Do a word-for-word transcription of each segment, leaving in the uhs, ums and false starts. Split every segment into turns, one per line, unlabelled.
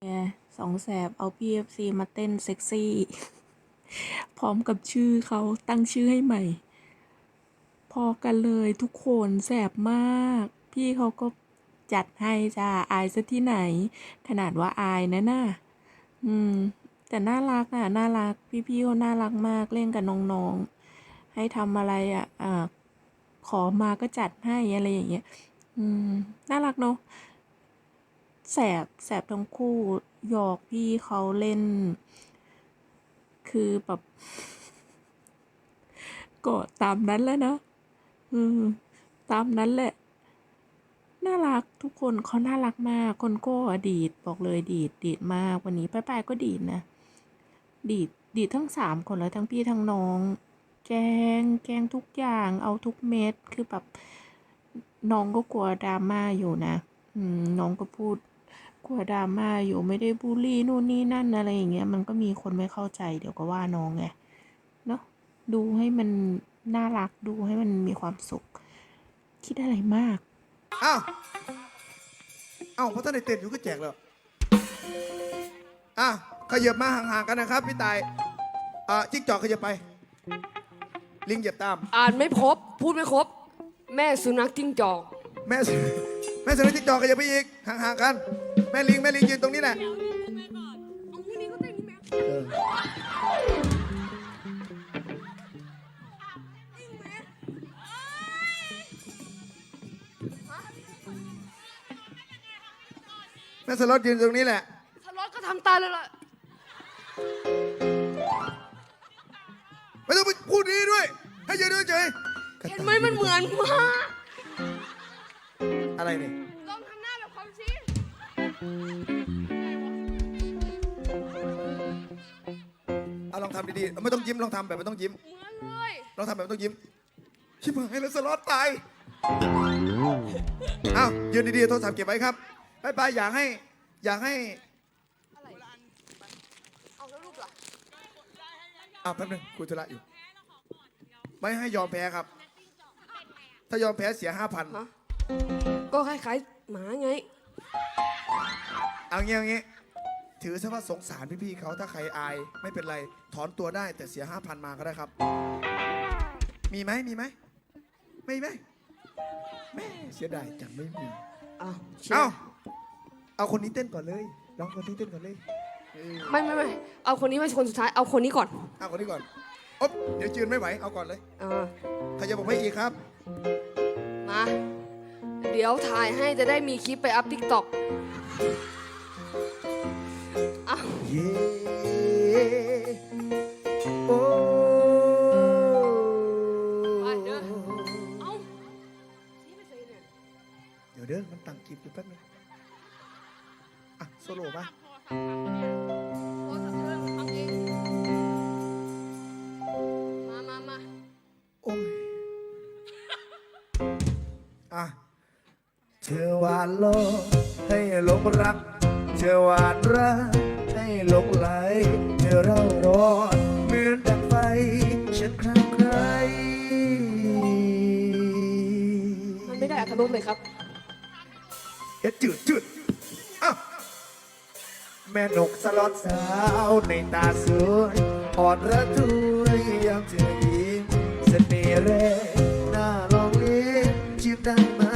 ไงสองแสบเอา พี เอฟ ซี มาเต้นเซ็กซี่ พร้อมกับชื่อเขาตั้งชื่อให้ใหม่ พอกันเลยทุกคนแสบมาก พี่เขาก็จัดให้จ้าอายซะที่ไหน ขนาดว่าอายนะน่ะอืม แต่น่ารักอ่ะ น่ารัก พี่ๆเขาน่ารักมากเล่นกับน้องๆ ให้ทำอะไรอ่ะอ่าขอมาก็จัดให้อะไรอย่างเงี้ย อืม น่ารักเนาะ แสบแสบทั้งคู่หยอกพี่เขาเล่น คือแบบ ก็ตามนั้นแหล้วนะอืมตามนั้นแหละ น่ารักทุกคนเขาน่ารักมาก คนโก้อะดีดบอกเลยดีดดีดมากวันนี้ป้ายๆก็ดีดนะ ดีดดีดทั้งสามคนเลยทั้งพี่ทั้งน้อง แกงแกงทุกอย่างเอาทุกเม็ดคือแบบน้องก็กลัวดราม่าอยู่นะอืมน้องก็พูดกลัวดราม่าอยู่ไม่ได้บูลลี่นู่นนี่นั่นอะไรอย่างเงี้ยมันก็มีคนไม่เข้าใจเดี๋ยวก็ว่าน้องไงเนาะดูให้มันน่ารักดูให้มันมีความสุข คิดอะไรมาก
อ้าวอ้าวเพราะท่านในเต้นอยู่ก็แจกแล้วอ่ะขยับมาห่างๆกันนะครับพี่ตายอ่ะจิ๊กจอกขยับไป ลิงเหยียบตาม
อ่านไม่ครบ พูดไม่ครบ แม่สุนัขจิ้งจอก
แม่แม่สนจิ๊กจอกขยับไปอีกห่างๆกัน แม่ลิงแม่ลิงยืนตรงนี้แหละเออแม่สล็อตยืนตรงนี้แหละ
สล็อตก็ทำตาเลยล่ะ
ไม่ต้องไปพูดดีด้วย ให้ยืนด้วยเฉย
เห็นไหมมันเหมือนมาก
อะไรเนี่ย
ลองทำหน้าแบบความสิ
เอาลองทำดีๆไม่ต้องยิ้มลองทำแบบไม่ต้องยิ้ม
เหมือนเลย
ลองทำแบบไม่ต้องยิ้มชิบหายแล้วสล็อตตายอ้าวยืนดีๆโทรศัพท์เก็บไว้ครับบายบายอยากให้อยากให้
อะไรเอาแล้วรูปล่ะ
อ้าวแป๊บนึงคุยธุระอยู่ ไม่ให้ยอมแพ้ครับ ถ้ายอมแพ้เสียห้าพัน
ฮะก็คล้ายๆหมาไง
เอางี้เอางี้ถือซะว่าสงสารพี่ๆเขาถ้าใครอายไม่เป็นไรถอนตัวได้แต่เสียห้าพันมาก็ได้ครับ มีไหมมีไหมไม่ไหมแม่เสียดายจังไม่มี
เอาเชีย
เอา
ร์
เอาคนนี้เต้นก่อนเลยลองคนนี้เต้นก่อนเลยเออ
ไม่ไม่ไม่เอาคนนี้ไม่ใช่คนสุดท้าย เอาคนนี้ก่อน
เอาคนนี้ก่อนอ๊บเดี๋ยวจืนไม่ไหวเอาก่อนเลย
อ่า
ใครจะบอกไม่อีกครับ
มา เดี๋ยวถ่ายให้จะได้มีคลิปไปอัพทิกตอกอ้าว
เย้โอ้
ไปเด้อเอาชี้ไปใส่เนี่ย
เดี๋ยวเด้อมันตั้งคลิปอยู่แป๊บนึงอ่ะโซโล่มา
โอ้ทำเรื่องทำเองมามามา
โอ้ยอ่ะเธอหวานโลกให้หลงรักเธอหวานรักให้หลงไหลเธอเร่าร้อนเหมือนดังไฟฉันคลั่งไคล้
มันไม่ได้อัตโนมัติเลยครับ
เอ็ดจืดจืดอ่ะแม่นกสลอดสาวในตาสวยอ่อนระทวยยามเธอยิ้มเสน่ห์แรงน่าลองเลี้ยงจีบได้ไหม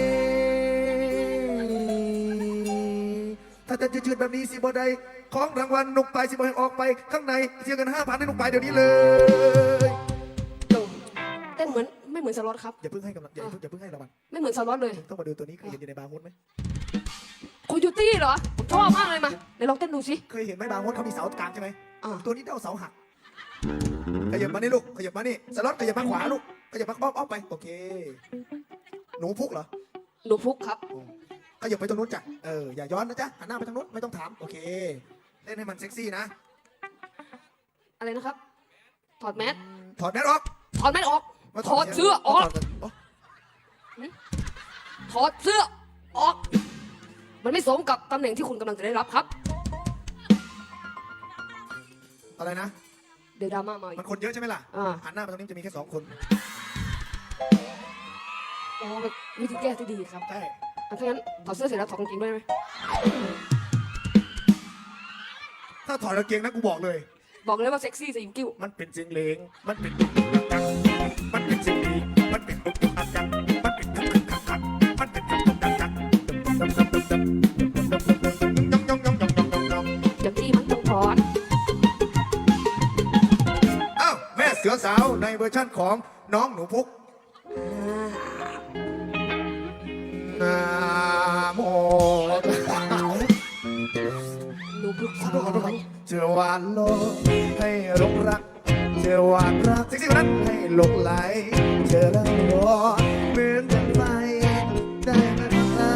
ถ้าจะจืดๆแบบนี้สิบ่ได้ของรางวัลนกไปสิบ่ให้ออกไปข้างในเสียเงินห้าพันให้นกไปเดี๋ยวนี้เลย
เต้นเหมือนไม่เหมือนสล็อตครับ
อย่าเพิ่งให้กำลังอย่าเพิ่งอย่าเพิ่งให้รางวัล
ไม่เหมือนสล็อตเลย
ต้องมาดูตัวนี้เคยเห็นอยู่ในบาร์โฮสไหม
โคโยตี้เหรอ ผมชอบมากเลยมาไหนลองเต้นดูสิ
เคยเห็นไหมบาร์โฮสเขามีเสากลางใช่ไหม
อ่า
ตัวนี้เด้าเสาหักขยับมานี่ลูกขยับมานี่สล็อตขยับมาขวาลูกขยับมาอ้อมอ้อมไปโอเค หนูพุกเหรอ
หนูพุกครับ
อ๋อขยับไปตรงนู้นจ้ะเอออย่าย้อนนะจ๊ะหันหน้าไปทางนู้นไม่ต้องถามโอเคเล่นให้มันเซ็กซี่นะ
อะไรนะครับ ถอดแมส
ถอดแมสออก
ถอดแมสออก
มา
ถอดเสื้อออก
ถดอ๋อ
ถอดเสื้อออก มันไม่สมกับตำแหน่งที่คุณกำลังจะได้รับครับ
อะไรนะ
เดี๋ยวดราม่ามาอีก
มันคนเยอะใช่ไหมล่ะ
อ่า
หันหน้ามาตรงนี้จะมีแค่สองคน
อ๋อเป็นวิธีแก้ที่ดีครับ
ใช่
อ่ะถ้างั้นถอดเสื้อเสร็จแล้วถอดกางเกงด้วยไหม
ถ้าถอดกางเกงนะกูบอกเลย
บอกเลยว่าเซ็กซี่สิงกิ้ว
มันเป็นเสียงเลงมันเป็นดุกดุกกักมันเป็นเสียงดีมันเป็นดุกดุกกักกักมันเป็นดุกดุกกักกักมันเป็นดุกดุกกักกักยองยองยองยองยองยองยองยอง
จากที่มันต้องถอน
อ้าวแม่เสือสาวในเวอร์ชั่นของน้องหนูพุกนาโม
หนูพึก
ขอโทษขอโทษครับเจอหวานโลกให้หลงรักเจอหวานรักจริงๆวันนั้นให้หลงไหลเจอแล้วรอเหมือนกันไปได้ไหม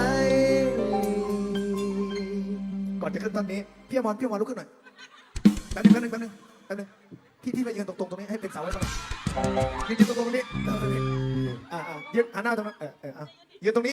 ก่อนจะขึ้นตอนนี้พี่อมรพี่อมรลุกขึ้นหน่อยแป๊บนึงแป๊บนึงแป๊บนึงแป๊บนึงพี่พี่ไปยืนตรงๆตรงนี้ให้เป็นเสาไว้ก่อนยืนตรงๆตรงนี้อ่าอ่ายืนหันหน้าตรงนั้นเออเอออ่ะยืนตรงนี้